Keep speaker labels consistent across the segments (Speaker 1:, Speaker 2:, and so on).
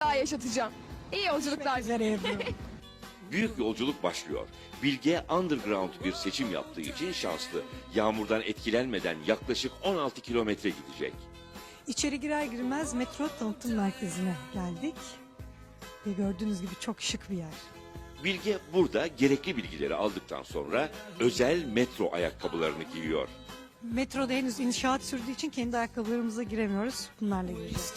Speaker 1: daha yaşatacağım. İyi yolculuklar.
Speaker 2: Üzere Ebru.
Speaker 3: Büyük yolculuk başlıyor. Bilge underground bir seçim yaptığı için şanslı. Yağmurdan etkilenmeden yaklaşık 16 kilometre gidecek.
Speaker 2: İçeri girer girmez metro tanıtım merkezine geldik. Ve gördüğünüz gibi çok şık bir yer.
Speaker 3: Bilge burada gerekli bilgileri aldıktan sonra özel metro ayakkabılarını giyiyor.
Speaker 2: Metroda henüz inşaat sürdüğü için kendi ayakkabılarımıza giremiyoruz. Bunlarla gireceğiz.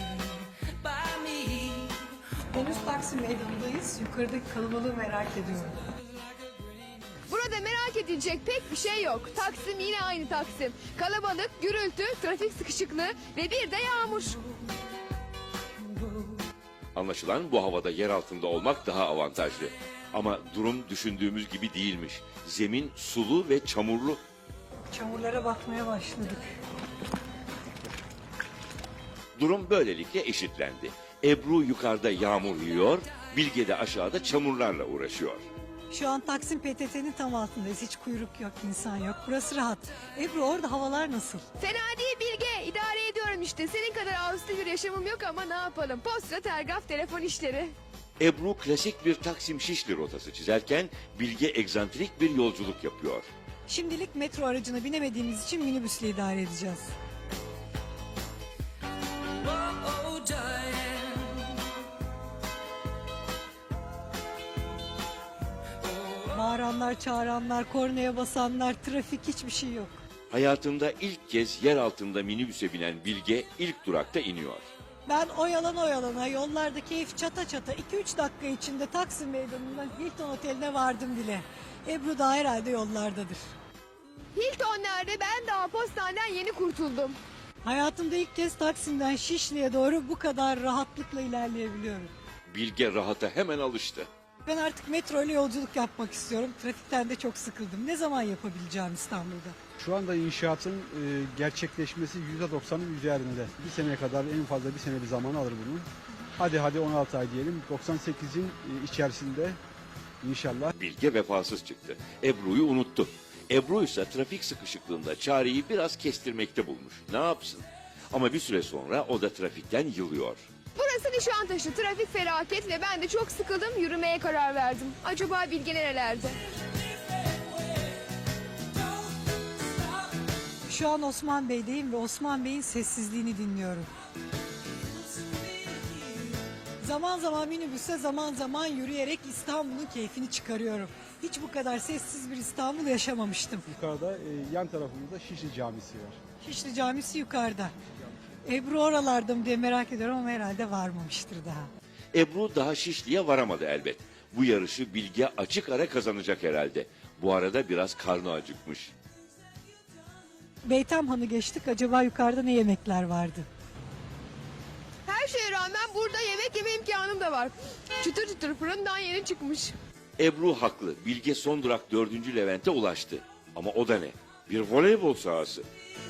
Speaker 2: Henüz Taksim Meydanı'ndayız. Yukarıdaki kalabalığı merak ediyorum.
Speaker 1: Burada merak edilecek pek bir şey yok. Taksim yine aynı Taksim. Kalabalık, gürültü, trafik sıkışıklığı ve bir de yağmur.
Speaker 3: Anlaşılan bu havada yer altında olmak daha avantajlı. Ama durum düşündüğümüz gibi değilmiş. Zemin sulu ve çamurlu.
Speaker 2: Çamurlara batmaya başladık.
Speaker 3: Durum böylelikle eşitlendi. Ebru yukarıda yağmur yiyor, Bilge de aşağıda çamurlarla uğraşıyor.
Speaker 2: Şu an Taksim PTT'nin tam altındayız. Hiç kuyruk yok, insan yok. Burası rahat. Ebru orada havalar nasıl?
Speaker 1: Fena değil Bilge. İdare ediyorum işte. Senin kadar ağustos bir yaşamım yok ama ne yapalım. Posta, telgraf, telefon işleri.
Speaker 3: Ebru klasik bir Taksim Şişli rotası çizerken Bilge egzantrik bir yolculuk yapıyor.
Speaker 2: Şimdilik metro aracına binemediğimiz için minibüsle idare edeceğiz. Bağıranlar, çağıranlar, kornaya basanlar, trafik hiçbir şey yok.
Speaker 3: Hayatında ilk kez yer altında minibüse binen Bilge ilk durakta iniyor.
Speaker 2: Ben oyalana yollarda keyif çata çata 2-3 dakika içinde Taksim Meydanı'ndan Hilton Oteli'ne vardım bile. Ebru da herhalde yollardadır.
Speaker 1: Hilton nerede? Ben daha postaneden yeni kurtuldum.
Speaker 2: Hayatımda ilk kez Taksim'den Şişli'ye doğru bu kadar rahatlıkla ilerleyebiliyorum.
Speaker 3: Bilge rahata hemen alıştı.
Speaker 2: Ben artık metro ile yolculuk yapmak istiyorum. Trafikten de çok sıkıldım. Ne zaman yapabileceğim İstanbul'da?
Speaker 4: Şu anda inşaatın gerçekleşmesi %90'ın üzerinde. Bir seneye kadar en fazla bir sene bir zaman alır bunun. Hadi 16 ay diyelim. 98'in içerisinde inşallah.
Speaker 3: Bilge vefasız çıktı. Ebru'yu unuttu. Ebru ise trafik sıkışıklığında çareyi biraz kestirmekte bulmuş. Ne yapsın? Ama bir süre sonra o da trafikten yılıyor.
Speaker 1: Burası Nişantaşı. Trafik felaket ve ben de çok sıkıldım. Yürümeye karar verdim. Acaba Bilge nerelerde?
Speaker 2: Şu an Osman Bey'deyim ve Osman Bey'in sessizliğini dinliyorum. Zaman zaman minibüse, zaman zaman yürüyerek İstanbul'un keyfini çıkarıyorum. Hiç bu kadar sessiz bir İstanbul yaşamamıştım.
Speaker 4: Yukarıda yan tarafımızda Şişli Camisi var.
Speaker 2: Şişli Camisi yukarıda. Ebru oralarda mı diye merak ediyorum ama herhalde varmamıştır daha.
Speaker 3: Ebru daha Şişli'ye varamadı elbet. Bu yarışı Bilge açık ara kazanacak herhalde. Bu arada biraz karnı acıkmış.
Speaker 2: Beytamhan'ı geçtik. Acaba yukarıda ne yemekler vardı?
Speaker 1: Her şeye rağmen burada yemek yeme imkanım da var. Çıtır çıtır fırından yeni çıkmış.
Speaker 3: Ebru haklı. Bilge son durak 4. Levent'e ulaştı. Ama o da ne? Bir voleybol sahası.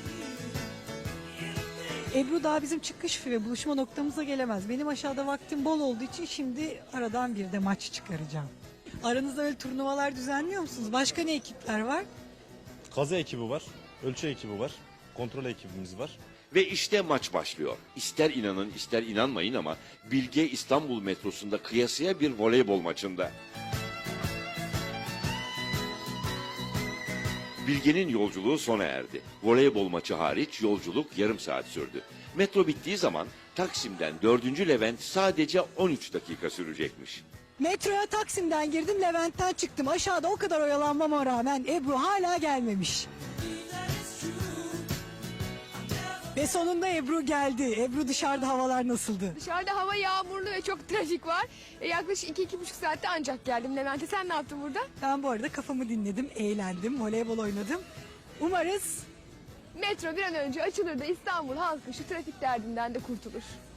Speaker 2: Ebru daha bizim çıkış ve buluşma noktamıza gelemez. Benim aşağıda vaktim bol olduğu için şimdi aradan bir de maç çıkaracağım. Aranızda öyle turnuvalar düzenliyor musunuz? Başka ne ekipler var?
Speaker 5: Kazı ekibi var, ölçü ekibi var, kontrol ekibimiz var.
Speaker 3: Ve işte maç başlıyor. İster inanın ister inanmayın ama Bilge İstanbul metrosunda kıyasıya bir voleybol maçında. Bilge'nin yolculuğu sona erdi. Voleybol maçı hariç yolculuk yarım saat sürdü. Metro bittiği zaman Taksim'den 4. Levent sadece 13 dakika sürecekmiş.
Speaker 2: Metroya Taksim'den girdim, Levent'ten çıktım. Aşağıda o kadar oyalanmama rağmen Ebru hala gelmemiş. Ve sonunda Ebru geldi. Ebru, dışarıda havalar nasıldı?
Speaker 1: Dışarıda hava yağmurlu ve çok trafik var. Yaklaşık 2-2,5 saatte ancak geldim Levent'e. Sen ne yaptın burada?
Speaker 2: Ben bu arada kafamı dinledim, eğlendim, voleybol oynadım. Umarız
Speaker 1: Metro bir an önce açılır da İstanbul halkı şu trafik derdinden de kurtulur.